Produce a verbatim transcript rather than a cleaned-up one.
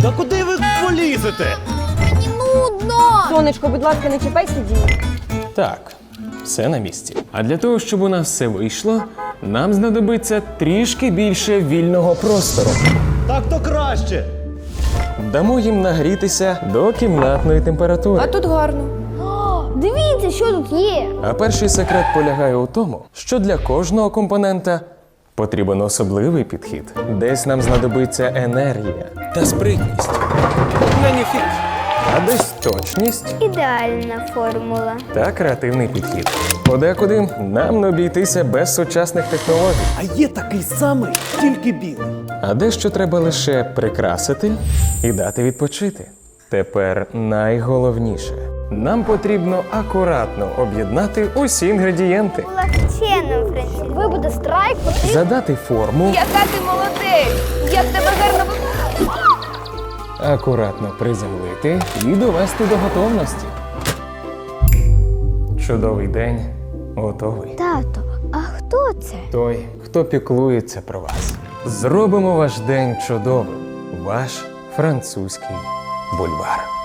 Та куди ви полізете? Нудно! Сонечко, будь ласка, не чіпай сидіння. Так, все на місці. А для того, щоб у нас все вийшло, нам знадобиться трішки більше вільного простору. Так то краще. Дамо їм нагрітися до кімнатної температури. А тут гарно. О, дивіться, що тут є. А перший секрет полягає у тому, що для кожного компонента потрібен особливий підхід. Десь нам знадобиться енергія та спритність, а десь точність Ідеальна формула. та креативний підхід. Подекуди нам не обійтися без сучасних технологій. А є такий самий, тільки білий. А дещо треба лише прикрасити і дати відпочити. Тепер найголовніше. Нам потрібно акуратно об'єднати усі інгредієнти, Легче, Френсі. Ви буде страйк, потрібно. задати форму, Яка ти молодець! Як тебе гарно ви... акуратно приземлити і довести до готовності. Чудовий день готовий. Тато, а хто це? Той, хто піклується про вас. Зробимо ваш день чудовим. Ваш французький бульвар.